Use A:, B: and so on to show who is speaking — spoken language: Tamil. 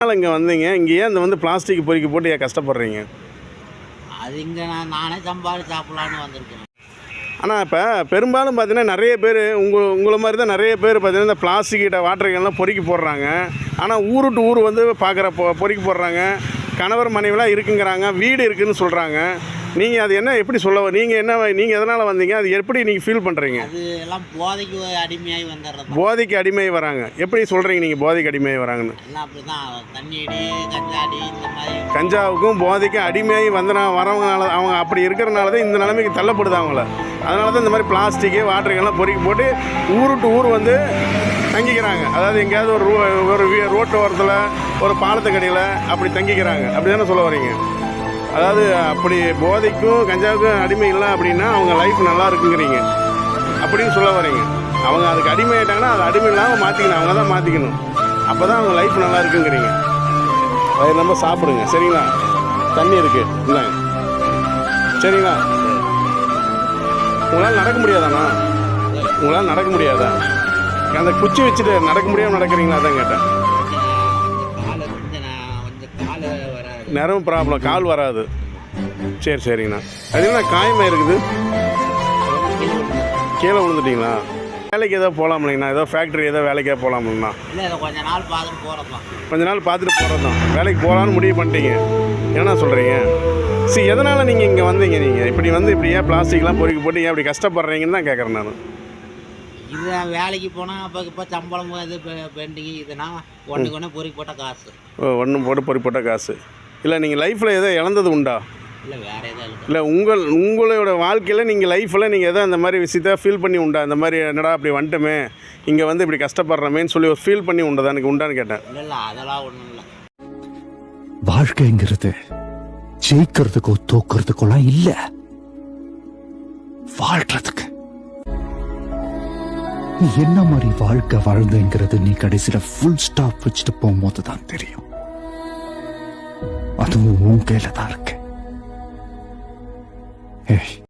A: இங்கே வந்தீங்க, இங்கே ஏன் இந்த பிளாஸ்டிக் பொறுக்கி போட்டு ஏன் கஷ்டப்படுறீங்க?
B: அது இங்கே நானே சம்பாதிச்சு சாப்பிட்லான்னு வந்திருக்கேன்.
A: ஆனால் இப்போ பெரும்பாலும் பார்த்தீங்கன்னா நிறைய பேர் உங்களை மாதிரி தான் நிறைய பேர் பார்த்தீங்கன்னா இந்த பிளாஸ்டிக்கிட்ட வாட்டர்கள்லாம் பொறுக்கி போடுறாங்க. ஆனால் ஊர் டு ஊர் பார்க்குற பொறுக்கி போடுறாங்க. கணவர் மனைவிலாம் இருக்குங்கிறாங்க, வீடு இருக்குதுன்னு சொல்கிறாங்க. நீங்கள் அது என்ன எப்படி நீங்கள் எதனால் வந்தீங்க? அது எப்படி நீங்கள் ஃபீல் பண்ணுறீங்க?
B: அது எல்லாம் போதைக்கு அடிமையாகி வந்துடுறது.
A: போதைக்கு அடிமையாகி வராங்க. எப்படி சொல்கிறீங்க நீங்கள் போதைக்கு அடிமையாகி வராங்கன்னு?
B: எல்லாம் அப்படி தான், தண்ணி அடி, கஞ்சாடி, இந்த மாதிரி
A: கஞ்சாவுக்கும் போதைக்கும் அடிமையாகி வரவங்கனால, அவங்க அப்படி இருக்கிறனால தான் இந்த நிலைமைக்கு தள்ளப்படுது அவங்கள. அதனால தான் இந்த மாதிரி பிளாஸ்டிக்கு வாட்டருக்கெல்லாம் பொறுக்கி போட்டு ஊர் டு ஊர் தங்கிக்கிறாங்க. அதாவது எங்கேயாவது ஒரு ரோட்டு ஓரத்தில், ஒரு பாலத்துக்கடியில் அப்படி தங்கிக்கிறாங்க. அப்படி தானே சொல்ல வரீங்க? அதாவது அப்படி போதைக்கும் கஞ்சாவுக்கும் அடிமை இல்லை அப்படின்னா அவங்க லைஃப் நல்லா இருக்குங்கிறீங்க அப்படின்னு சொல்ல வரீங்க. அவங்க அதுக்கு அடிமை ஆகிட்டாங்கன்னா அது அடிமை இல்லாமல் மாற்றிக்கணும், அவங்க தான் மாற்றிக்கணும். அப்போ தான் அவங்க லைஃப் நல்லா இருக்குங்கிறீங்க. வயிறு நம்ம சாப்பிடுங்க, சரிங்களா? தண்ணி இருக்குது இல்லைங்க, சரிங்களா? உங்களால் நடக்க முடியாதாண்ணா? உங்களால் நடக்க முடியாதா? அந்த குச்சி வச்சுட்டு நடக்க முடியாமல் நடக்கிறீங்களா? அதான் கேட்டேன். நரம்பு ப்ராப்ளம், கால் வராது. சரி சரிங்கண்ணா. அது என்ன காயமாக இருக்குது? கீழே விழுந்துட்டிங்களா? வேலைக்கு ஏதோ போகலாம் இல்லைங்கண்ணா? ஏதோ ஃபேக்ட்ரி ஏதோ வேலைக்கே போகலாம்லண்ணா?
B: கொஞ்ச நாள் பார்த்துட்டு போகிறது தான்.
A: கொஞ்ச நாள் பார்த்துட்டு போகிறது தான். வேலைக்கு போகலான்னு முடிவு பண்ணிட்டீங்க. என்ன சொல்கிறீங்க? சரி, எதனால் நீங்கள் இங்கே வந்தீங்க? நீங்கள் இப்படி இப்படி ஏன் பிளாஸ்டிக்லாம் பொறுக்கி போட்டு ஏன் இப்படி கஷ்டப்படுறீங்கன்னு தான் கேட்குறேன் நான்.
B: இது வேலைக்கு போனால் இப்போ சம்பளம் இது பெண்டிங் இதுனா ஒன்று பொறுக்கி போட்ட காசு.
A: ஒன்றும் பொறுக்கி போட்ட காசு இல்லை. நீங்கள் லைஃப்பில் எதோ இழந்தது உண்டா?
B: இல்லை, வேறு எதாவது
A: இல்லை. உங்களோட வாழ்க்கையில் நீங்கள் லைஃப்பில் நீங்கள் எதோ அந்த மாதிரி விஷயத்த ஃபீல் பண்ணி உண்டா? இந்த மாதிரி என்னடா அப்படி வந்துட்டோமே, இங்கே இப்படி கஷ்டப்படுறமேன்னு சொல்லி ஒரு ஃபீல் பண்ணி உண்டா? எனக்கு உண்டான்னு கேட்டேன்.
B: இல்லை, அதெல்லாம் ஒன்றும் இல்லை.
C: வாழ்க்கைங்கிறது ஜெயிக்கிறதுக்கோ தோக்கிறதுக்கோலாம் இல்லை, வாழ்றதுக்கு. நீ என்ன மாதிரி வாழ்க்கை வாழ்ந்துங்கிறது நீ கடைசியில் ஃபுல் ஸ்டாப் வச்சுட்டு போகும்போது தான் தெரியும். அதுவும் உன் கையில தான் இருக்கு.